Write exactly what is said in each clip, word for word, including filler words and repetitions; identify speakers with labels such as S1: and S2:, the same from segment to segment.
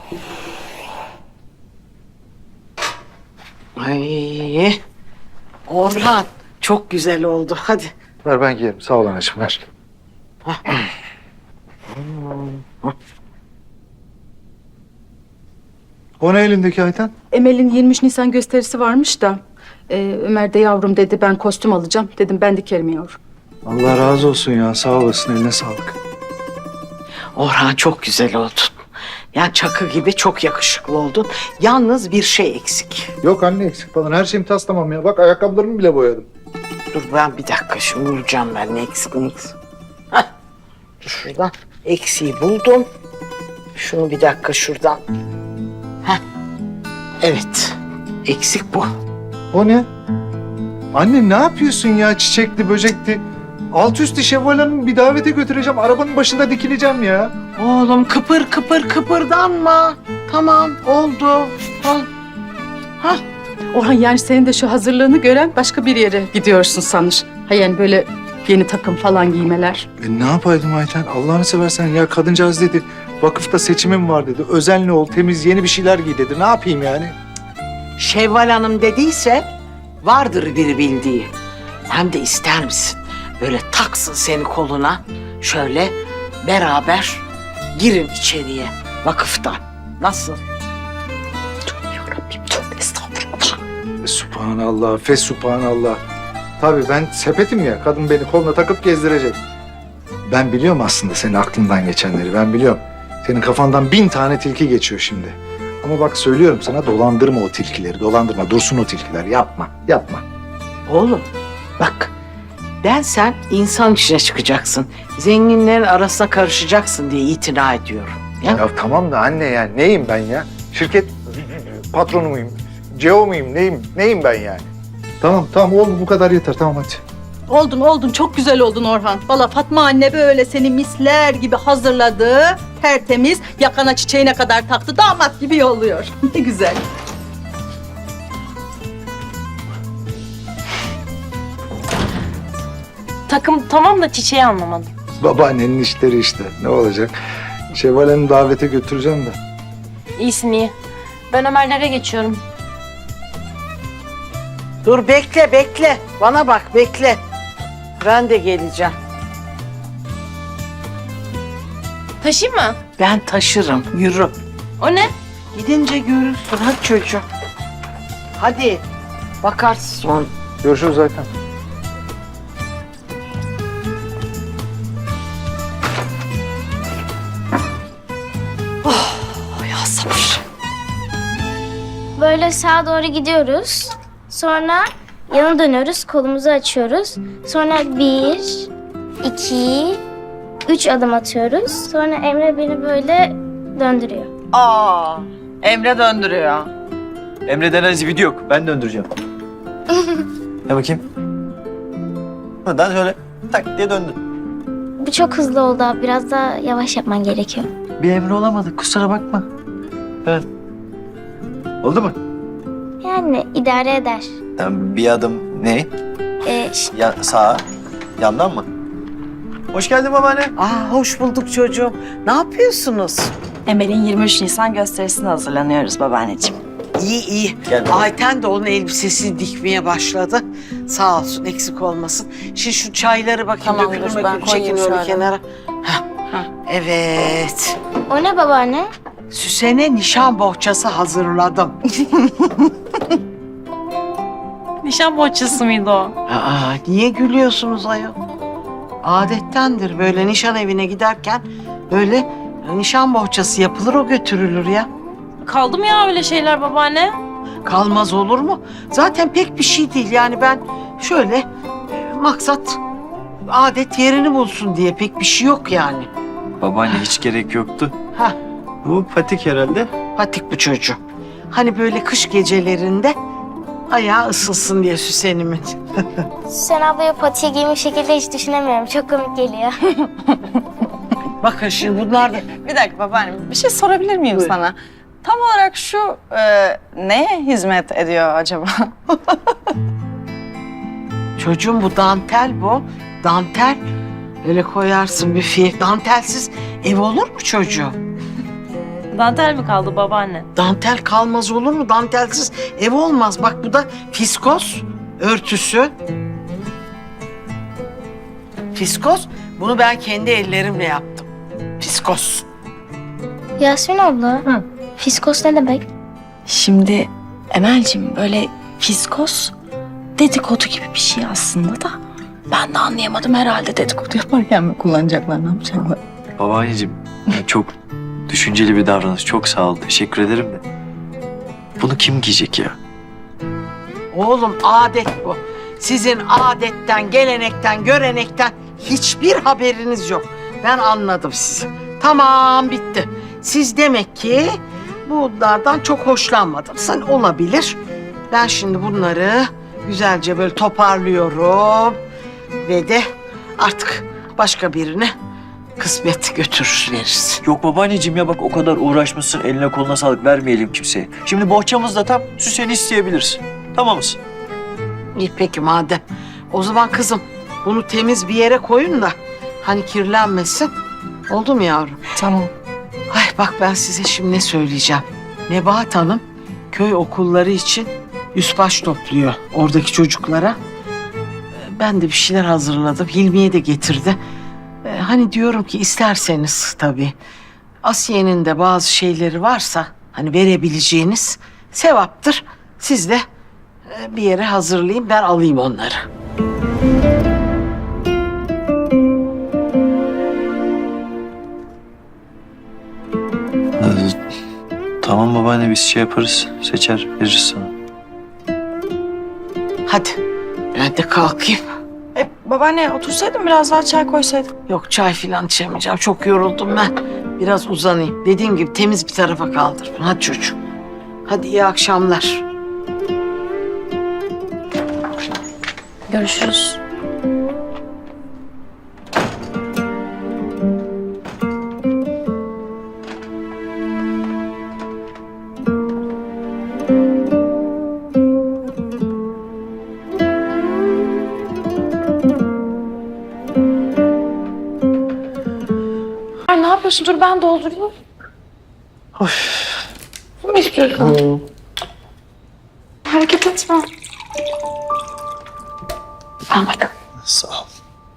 S1: Ay, Orhan çok güzel oldu. Hadi.
S2: Ver ben giyerim. Sağ ol anacığım ver. O ne elindeki Ayten?
S3: Emel'in yirmi üç Nisan gösterisi varmış da e, Ömer de yavrum dedi ben kostüm alacağım. Dedim ben dikerim yavrum.
S2: Allah razı olsun ya. Sağ olasın. Eline sağlık.
S1: Orhan çok güzel oldun. Yani Çakı gibi çok yakışıklı oldun. Yalnız bir şey eksik.
S2: Yok anne eksik falan. Her şeyim tas tamam ya. Bak ayakkabılarımı bile boyadım.
S1: Dur ben bir dakika şimdi bulacağım ben ne eksik ne eksik. Hah. Dur şuradan eksiği buldum. Şunu bir dakika şuradan. Heh. Evet. Eksik bu.
S2: O ne? Anne ne yapıyorsun ya çiçekli böcekli? Alt üstü Şevval Hanım'ı bir davete götüreceğim. Arabanın başında dikileceğim ya.
S1: Oğlum kıpır kıpır kıpırdanma. Tamam oldu. Ha. Ha.
S3: Orhan yani senin de şu hazırlığını gören başka bir yere gidiyorsun sanır. Ha yani böyle yeni takım falan giymeler.
S2: E ne yapaydım Ayten? Allah'ını seversen ya kadıncağız dedi. Vakıfta seçimim var dedi. Özenli ol, temiz, yeni bir şeyler giy dedi. Ne yapayım yani?
S1: Şevval Hanım dediyse vardır bir bildiği. Hem de ister misin? Böyle taksın seni koluna. Şöyle beraber girin içeriye vakıftan. Nasıl? Tövbe yarabbim tövbe estağfurullah.
S2: E, Subhanallah, fes subhanallah. Tabii ben sepetim ya. Kadın beni koluna takıp gezdirecek. Ben biliyorum aslında senin aklından geçenleri. Ben biliyorum. Senin kafandan bin tane tilki geçiyor şimdi. Ama bak söylüyorum sana dolandırma o tilkileri. Dolandırma. Dursun o tilkiler. Yapma. Yapma.
S1: Oğlum bak ben sen insan içine çıkacaksın. Zenginlerin arasına karışacaksın diye itina ediyorum. Ya?
S2: Ya tamam da anne ya neyim ben ya? Şirket patronu muyum? C E O muyum? Neyim? Neyim ben yani? Tamam tamam oldu bu kadar yeter. Tamam hadi.
S3: Oldun oldun çok güzel oldun Orhan. Valla Fatma anne böyle seni misler gibi hazırladı. Tertemiz yakana çiçeğine kadar taktı damat gibi yolluyor. Ne güzel.
S4: Takım tamam da çiçeği anlamadım.
S2: Babaannenin işleri işte. Ne olacak? Şevval Hanım'ı davete götüreceğim de.
S4: İyisin iyi. Ben Ömerlere geçiyorum.
S1: Dur bekle bekle. Bana bak bekle. Ben de geleceğim.
S4: Taşıyayım mı?
S1: Ben taşırım. Yürü.
S4: O ne?
S1: Gidince görürsün. Hadi çocuğum. Hadi. Bakarsın sonra.
S2: Görüşürüz zaten.
S3: Ya sabır.
S5: Böyle sağa doğru gidiyoruz. Sonra yana dönüyoruz, kolumuzu açıyoruz. Sonra bir, iki, üç adım atıyoruz. Sonra Emre beni böyle döndürüyor.
S1: Aa, Emre döndürüyor.
S6: Emre denen video yok. Ben döndüreceğim. Ne bakayım? Buradan şöyle tak diye döndün.
S5: Bu çok hızlı oldu abi. Biraz daha yavaş yapman gerekiyor.
S6: Bir Emre olamadık. Kusura bakma. Evet. Oldu mu?
S5: Yani idare eder.
S6: Tamam, bir adım ne?
S5: Ee, ş-
S6: Ya, sağa. Yandan mı? Hoş geldin babaanne.
S1: Aa, hoş bulduk çocuğum. Ne yapıyorsunuz?
S7: Emel'in yirmi üç Nisan gösterisine hazırlanıyoruz babaanneciğim.
S1: İyi iyi.
S6: Gel bakalım.
S1: Ayten de onun elbisesini dikmeye başladı. Sağ olsun eksik olmasın. Şimdi şu çayları bakayım.
S7: Tamamdır,
S1: dökülür
S7: ben
S1: mökülür,
S7: koyayım
S1: çekin öyle
S7: şöyle.
S1: kenara. Hah. Evet.
S5: o ne babaanne?
S1: Süsen'e nişan bohçası hazırladım.
S7: Nişan bohçası mıydı o?
S1: Aa, niye gülüyorsunuz ayol? Adettendir böyle nişan evine giderken böyle nişan bohçası yapılır o götürülür ya.
S4: Kaldı mı ya öyle şeyler babaanne?
S1: Kalmaz olur mu? Zaten pek bir şey değil yani ben şöyle e, maksat adet yerini bulsun diye pek bir şey yok yani.
S6: Babaanne hiç gerek yoktu.
S1: Ha,
S6: Bu patik herhalde.
S1: patik bu çocuğum. Hani böyle kış gecelerinde ayağı ısınsın diye Süsen'imin.
S5: Sen ablaya patiye giymiş şekilde hiç düşünemiyorum. Çok komik geliyor.
S1: Bakın şimdi bunlar da
S7: Bir dakika babaannem, bir şey sorabilir miyim
S1: Buyur.
S7: sana? Tam olarak şu e, neye hizmet ediyor acaba?
S1: çocuğum bu dantel bu. Dantel öyle koyarsın bir fiil. Dantelsiz ev olur mu çocuğum?
S4: Dantel mi kaldı babaanne?
S1: Dantel kalmaz olur mu? Dantelsiz ev olmaz. Bak bu da fiskos örtüsü. Fiskos. Bunu ben kendi ellerimle yaptım. Fiskos.
S5: Yasmin abla. Fiskos ne demek?
S8: Şimdi Emel'cim böyle fiskos dedikodu gibi bir şey aslında da ben de anlayamadım herhalde dedikodu yaparken mi kullanacaklar ne yapacaklar?
S6: Babaanneciğim ya çok düşünceli bir davranış. Çok sağ ol. Teşekkür ederim de. Bunu kim giyecek ya?
S1: Oğlum adet bu. Sizin adetten, gelenekten, görenekten hiçbir haberiniz yok. Ben anladım sizi. Tamam bitti. Siz demek ki bunlardan çok hoşlanmadınız. Hani olabilir. Ben şimdi bunları güzelce böyle toparlıyorum. Ve de artık başka birine kısmet götürür veririz.
S6: Yok babaanneciğim ya bak o kadar uğraşmışsın. Eline koluna sağlık vermeyelim kimseye. Şimdi bohçamızda tam süseni isteyebiliriz. Tamamız.
S1: İyi peki madem. O zaman kızım bunu temiz bir yere koyun da hani kirlenmesin. Oldu mu yavrum?
S8: Tamam.
S1: Ay bak ben size şimdi ne söyleyeceğim. Nebahat Hanım köy okulları için üst baş topluyor oradaki çocuklara. Ben de bir şeyler hazırladım. Hilmiye de getirdi. Ee, Hani diyorum ki isterseniz tabii Asiye'nin de bazı şeyleri varsa hani verebileceğiniz sevaptır. Siz de e, bir yere hazırlayayım ben alayım onları.
S6: Ee, tamam babaanne biz şey yaparız. Seçer veririz sana.
S1: Hadi ben de kalkayım.
S7: E, babaanne otursaydın biraz daha çay koysaydın.
S1: Yok çay filan içemeyeceğim. Çok yoruldum ben. Biraz uzanayım. Dediğim gibi temiz bir tarafa kaldır. Hadi çocuğum. Hadi iyi akşamlar.
S4: Görüşürüz.
S8: Ay ne yapıyorsun? Dur ben doldurayım. Ne istiyorsun? Hareket etme. Al bakalım.
S6: Sağ ol.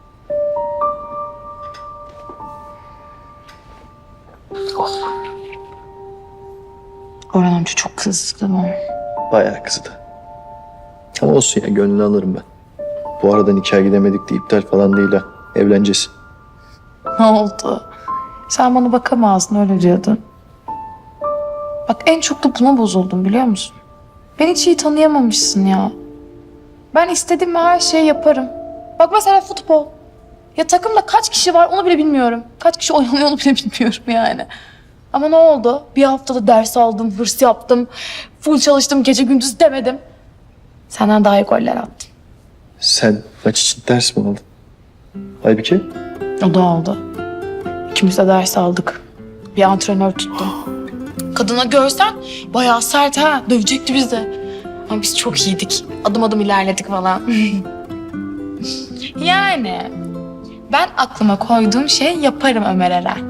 S8: Orhan amca çok kızdı değil mi?
S9: Bayağı kızdı. Ama olsun ya gönlünü alırım ben. Bu arada nikah gidemedik de iptal falan değil ha. Evleneceğiz.
S10: Ne oldu? Sen bana bakamazdın öyle diyordun. Bak en çok da buna bozuldum biliyor musun? Beni hiç iyi tanıyamamışsın ya. Ben istediğim her şeyi yaparım. Bak mesela futbol. Ya takımda kaç kişi var onu bile bilmiyorum. Kaç kişi oynanıyor onu bile bilmiyorum yani. Ama ne oldu? Bir haftada ders aldım, hırs yaptım. Full çalıştım, gece gündüz demedim. Senden daha iyi goller attım.
S9: Sen maç için ders mi aldın? Halbuki
S10: O da oldu. İkimiz de ders aldık. Bir antrenör tuttum. Kadına görsen bayağı sert ha. Dövecekti bizi. Ama biz çok iyiydik. Adım adım ilerledik falan. Yani ben aklıma koyduğum şey yaparım Ömer Eren.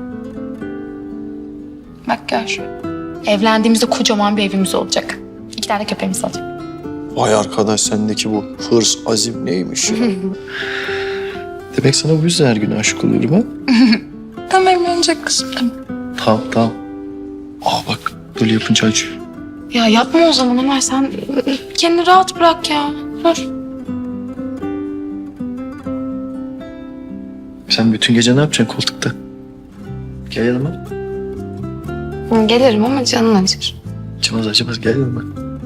S10: Bak gör. Evlendiğimizde kocaman bir evimiz olacak. İki tane köpeğimiz olacak.
S9: vay arkadaş sendeki bu hırs, azim neymiş ya? Demek sana bu yüzden her gün aşık oluyorum ha?
S10: Tamam evlenecek kızım. Tamam.
S9: Tamam tamam. Aa bak böyle yapınca acıyor.
S10: Ya yapma o zaman Ömer sen kendini rahat bırak ya. Dur.
S9: Sen bütün gece ne yapacaksın koltukta? Gel yanıma.
S10: Gelirim ama canın acır.
S9: Acımaz acımaz gel yanıma.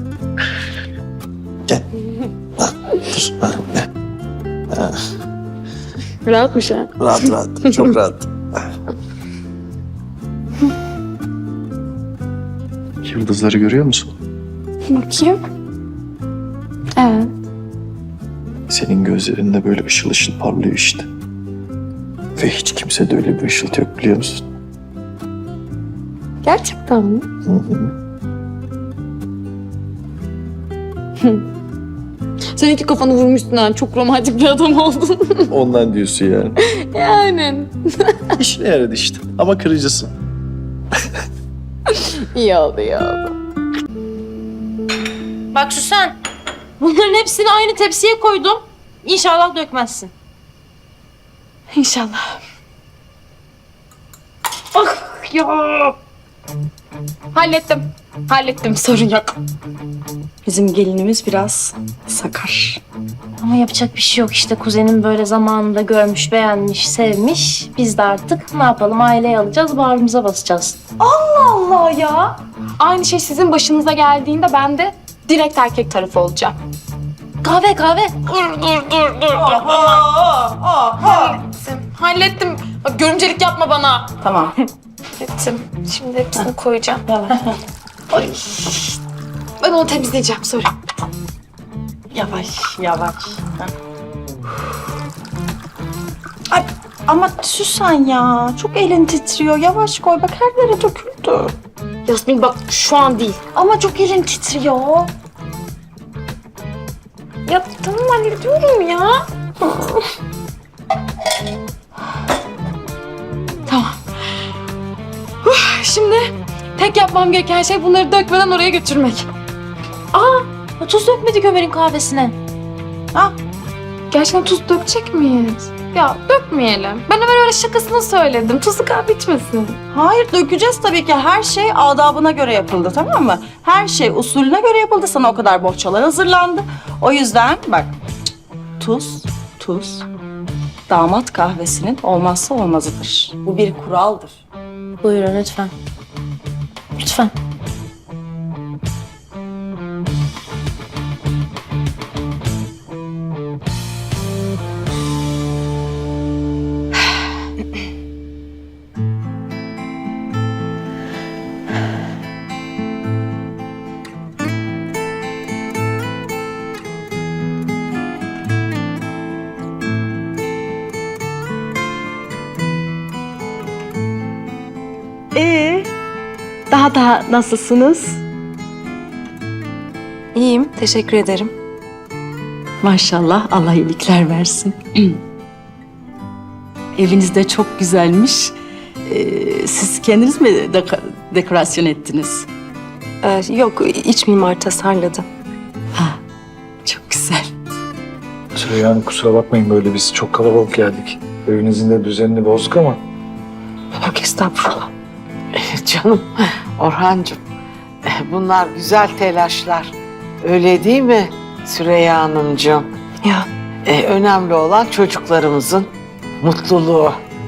S9: Gel. Ha, dur. Ha, ne? Ha.
S10: Rahatmış ha.
S9: Rahat rahat. Çok rahat. Yıldızları görüyor musun?
S10: Bakayım. Evet.
S9: Senin gözlerinde böyle ışıl ışıl parlıyor işte. Ve hiç kimsede öyle bir ışıltı yok biliyor musun?
S10: Gerçekten mi?
S9: Hı hı.
S10: Sen iki kafanı vurmuşsun ha. Çok romantik bir adam oldun.
S9: Ondan diyorsun yani.
S10: Yani.
S9: İşine yaradı işte. Ama kırıcısın.
S8: İyi oldu, iyi oldu.
S4: Bak Süsen, bunların hepsini aynı tepsiye koydum. İnşallah dökmezsin.
S8: İnşallah. Ah ya. Hallettim. Hallettim, sorun yok.
S7: Bizim gelinimiz biraz sakar.
S4: Ama yapacak bir şey yok işte. Kuzenim böyle zamanında görmüş, beğenmiş, sevmiş. Biz de artık ne yapalım, aileye alacağız, bağrımıza basacağız.
S8: Allah ya. Aynı şey sizin başınıza geldiğinde ben de direkt erkek tarafı olacağım.
S4: Kahve kahve.
S8: Dur dur dur dur. Hallettim. Hallettim. Bak, görümcelik yapma bana.
S7: Tamam.
S8: Hallettim. Şimdi hepsini koyacağım. Ay. Ben onu temizleyeceğim sonra.
S7: Yavaş, yavaş. Ay, ama Süsen ya, çok elin titriyor. Yavaş koy, bak her yere döküldü.
S8: Yasmin bak şu an değil.
S7: Ama çok elin titriyor.
S8: Ya tamam hallediyorum ya. Tamam. Huh, şimdi tek yapmam gereken şey bunları dökmeden oraya götürmek.
S4: Aa, tuz dökmedik Ömer'in kahvesine.
S8: Gerçekten tuz dökecek miyiz? Ya dökmeyelim. Ben Ömer öyle şakasını söyledim. Tuzlu kahve içmesin.
S7: Hayır, dökeceğiz tabii ki. Her şey adabına göre yapıldı, tamam mı? Her şey usulüne göre yapıldı. Sana o kadar bohçalar hazırlandı. O yüzden bak, tuz, tuz damat kahvesinin olmazsa olmazıdır. Bu bir kuraldır.
S4: Buyurun lütfen. Lütfen.
S11: Ee, daha da nasılsınız?
S8: İyiyim. Teşekkür ederim.
S11: Maşallah, Allah iyilikler versin. Eviniz de çok güzelmiş. Ee, siz kendiniz mi dek- dekorasyon ettiniz?
S8: Ee, yok, iç mimar tasarladı.
S11: Ha, çok güzel.
S2: Süreyya Hanım, kusura bakmayın, böyle biz çok kalabalık geldik. Evinizin de düzenini bozduk ama.
S8: Yok estağfurullah.
S1: Canım Orhancığım, bunlar güzel telaşlar. Öyle değil mi Süreyya Hanımcığım?
S8: Ya
S1: Ee, önemli olan çocuklarımızın mutluluğu.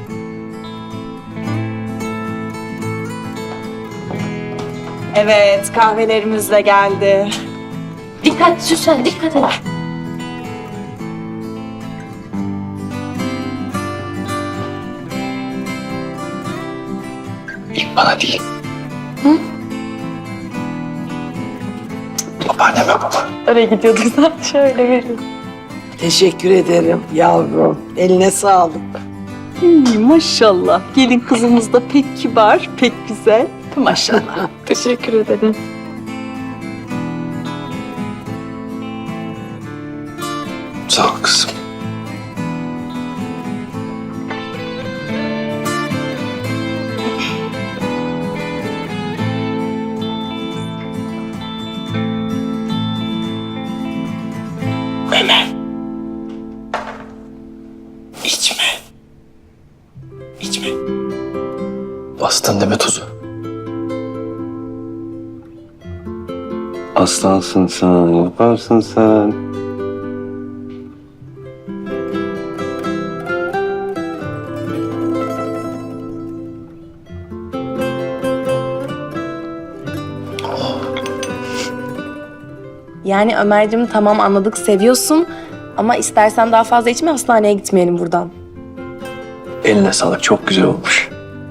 S7: Evet, kahvelerimiz de geldi.
S4: Dikkat Süsen, dikkat et.
S9: İlk bana değil. Hı? Babaanneme baba.
S8: oraya gidiyorduk zaten. Şöyle veriyorum.
S1: Teşekkür ederim yavrum. Eline sağlık.
S11: İyi, maşallah. Gelin kızımız da pek kibar, pek güzel. Maşallah.
S8: Teşekkür ederim.
S9: Sağ ol kızım. Ömer. İçme. İçme. Bastın deme tuzu.
S12: Aslansın sen, yaparsın sen.
S8: Yani Ömerciğim tamam anladık seviyorsun ama istersen daha fazla içme hastaneye gitmeyelim buradan.
S9: Eline sağlık, çok güzel olmuş.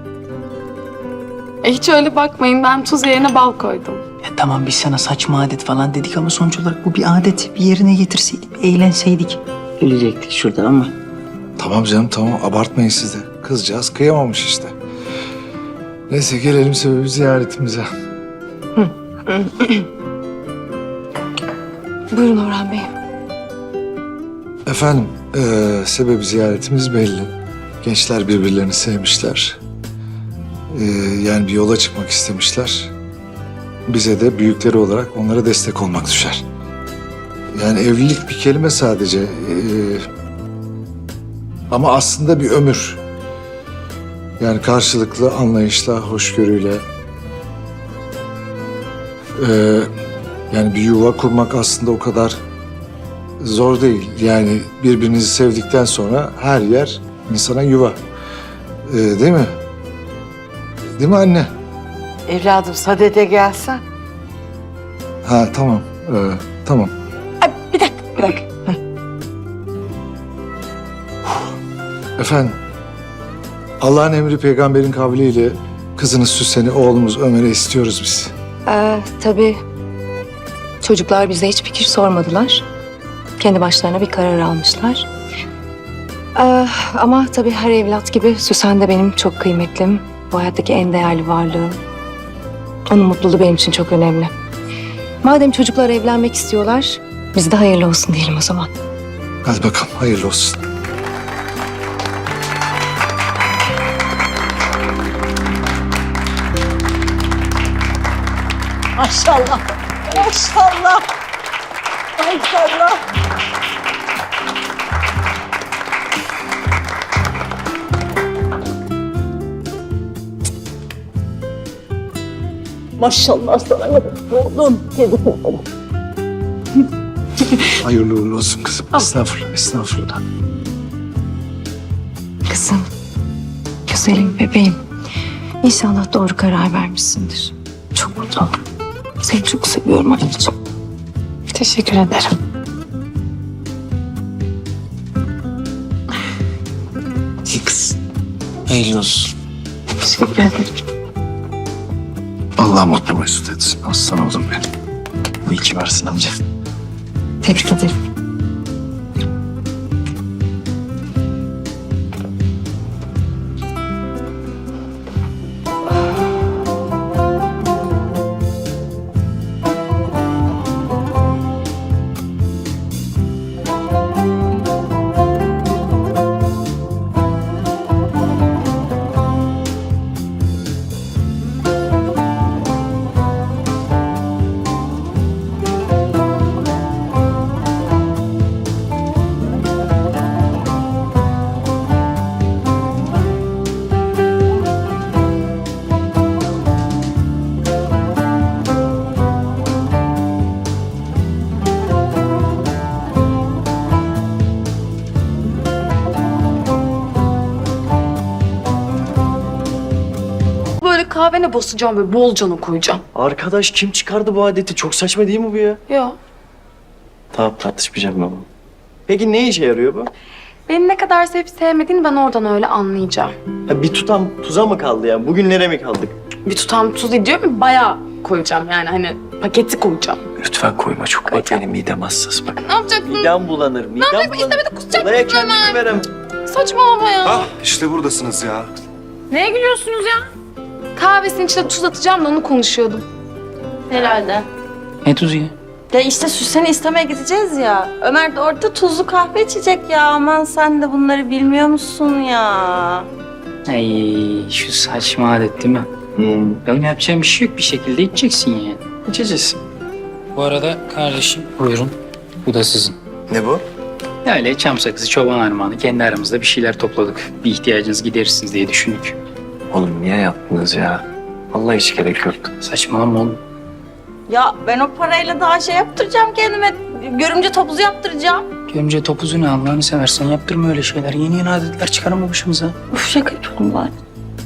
S10: E hiç öyle bakmayın. Ben tuz yerine bal koydum.
S13: Ya tamam, biz sana saçma adet falan dedik ama sonuç olarak bu bir adet. Bir yerine getirseydik, bir eğlenseydik. Gülecektik şurada ama.
S2: Tamam canım, tamam, abartmayın siz de. Kızcağız kıyamamış işte. Neyse, gelelim sebebi ziyaretimize.
S10: Buyurun Orhan Bey.
S2: Efendim, eee sebebi ziyaretimiz belli. Gençler birbirlerini sevmişler. Ee, yani bir yola çıkmak istemişler. Bize de büyükleri olarak onlara destek olmak düşer. Yani evlilik bir kelime sadece. Ee, ama aslında bir ömür. Yani karşılıklı anlayışla, hoşgörüyle. Ee, yani bir yuva kurmak aslında o kadar zor değil. Yani birbirinizi sevdikten sonra her yer insana yuva. Ee, değil mi? Değil mi anne?
S1: Evladım sadede gelsen.
S2: Ha tamam. Ee, tamam.
S8: Bir dakika, bir dakika.
S2: Efendim, Allah'ın emri peygamberin kavliyle kızınız Süsen'i oğlumuz Ömer'e istiyoruz biz.
S8: Ee, tabii çocuklar bize hiç fikir sormadılar. Kendi başlarına bir karar almışlar. Ee, ama tabii her evlat gibi Süsen de benim çok kıymetlim. Bu hayattaki en değerli varlığım. Onun mutluluğu benim için çok önemli. Madem çocuklar evlenmek istiyorlar, biz de hayırlı olsun diyelim o zaman.
S2: Hadi bakalım, hayırlı olsun.
S3: Maşallah. Maşallah. Maşallah. Maşallah sana oğlum.
S2: Hayırlı uğurlu olsun kızım. Estağfurullah, estağfurullah.
S8: Kızım, güzelim bebeğim. İnşallah doğru karar vermişsindir. Çok mutlu oldum. Seni çok seviyorum anneciğim.
S10: Teşekkür ederim.
S6: İyi kız. Hayırlı olsun.
S10: Teşekkür ederim.
S2: Allah mutlu mesut etsin. Aslan oğlum benim.
S6: İyi ki varsın amca.
S8: Tebrik ederim.
S10: Böyle kahvene basacağım böyle bolcana koyacağım.
S6: Arkadaş kim çıkardı bu adeti? Çok saçma değil mi bu ya?
S10: Ya
S6: Tamam tartışmayacağım ben bunu. Peki ne işe yarıyor bu?
S10: beni ne kadar sevip sevmediğini ben oradan öyle anlayacağım.
S6: Ha, bir tutam tuza mı kaldı ya? Bugünlere mi kaldık?
S10: Bir tutam tuz diyorum bayağı koyacağım yani hani paketi koyacağım.
S6: Lütfen koyma çok bak benim midem hassas bak.
S10: Ne yapacaksın?
S6: Midem bulanır. Midem
S10: yapayım?
S6: bulanır.
S10: İstemedi, kusacak
S6: Olaya
S10: mısın
S6: kendimi
S10: hemen?
S6: verem.
S10: Saçmalama ya.
S12: Ah işte buradasınız ya.
S10: Neye gülüyorsunuz ya? Kahvesinin içine tuz atacağım da onu konuşuyordum.
S7: Herhalde.
S6: Ne tuzu ya?
S7: Ya işte Süsen'i istemeye gideceğiz ya. Ömer de orada tuzlu kahve içecek ya. Aman sen de bunları bilmiyor musun ya?
S14: Ay şu saçma adet değil mi?
S6: Hmm.
S14: Benim yapacağım bir şey yok. Bir şekilde içeceksin yani.
S6: İçeceğiz.
S14: Bu arada kardeşim buyurun. Bu da sizin.
S6: Ne bu?
S14: Öyle çam sakızı, çoban armağanı kendi aramızda bir şeyler topladık. Bir ihtiyacınız giderirsiniz diye düşündük.
S6: Oğlum niye yaptınız ya? Vallahi hiç gerek yoktu.
S14: Saçmalama oğlum.
S7: Ya ben o parayla daha şey yaptıracağım kendime. Görümce topuzu yaptıracağım.
S14: Görümce topuzu ne Allah'ını seversen yaptırma öyle şeyler. Yeni yeni adetler çıkarma başımıza.
S7: Uf şaka yapıyorum bari.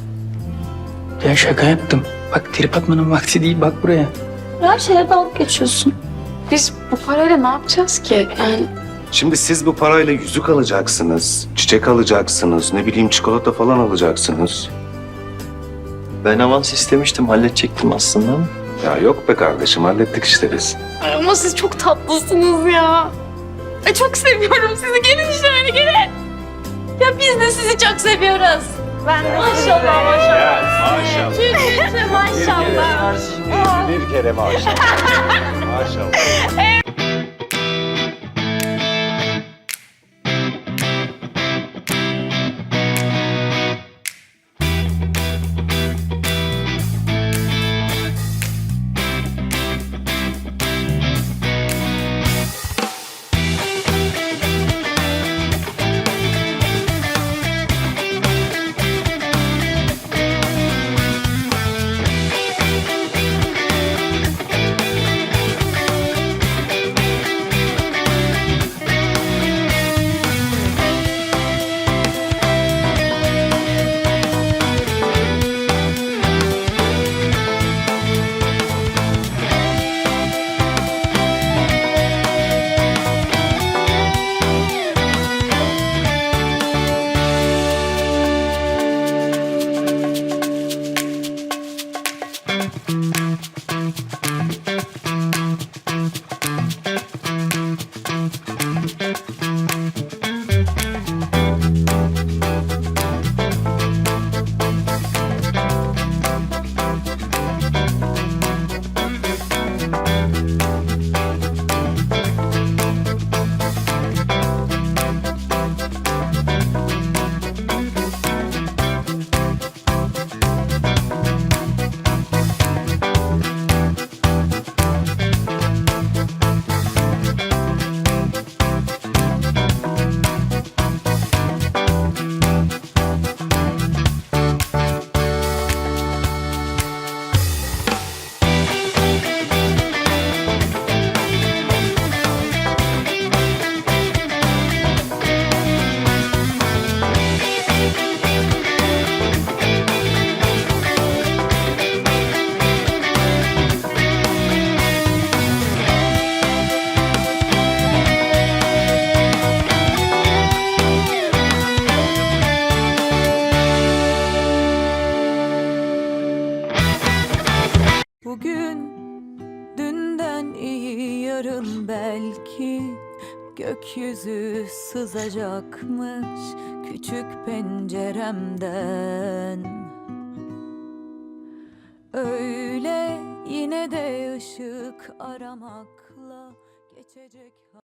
S14: Ben şaka yaptım. Bak trip atmanın vakti değil bak buraya.
S7: Her şeye dalga geçiyorsun.
S10: Biz bu parayla ne yapacağız ki? Yani
S12: Şimdi siz bu parayla yüzük alacaksınız, çiçek alacaksınız, ne bileyim çikolata falan alacaksınız.
S6: Ben avans istemiştim, halledecektim aslında ama.
S12: Ya yok be kardeşim, hallettik işte biz.
S10: Ay ama siz çok tatlısınız ya. Ay çok seviyorum sizi. Gelin şöyle gelin. Ya biz de sizi çok seviyoruz.
S7: Ben de
S10: Maşallah maşallah.
S12: Maşallah.
S10: Çünkü maşallah.
S12: Bir kere maşallah. Maşallah.
S11: Bugün dünden iyi, yarın belki gökyüzü sızacakmış küçük penceremden. Öyle yine de ışık aramakla geçecek.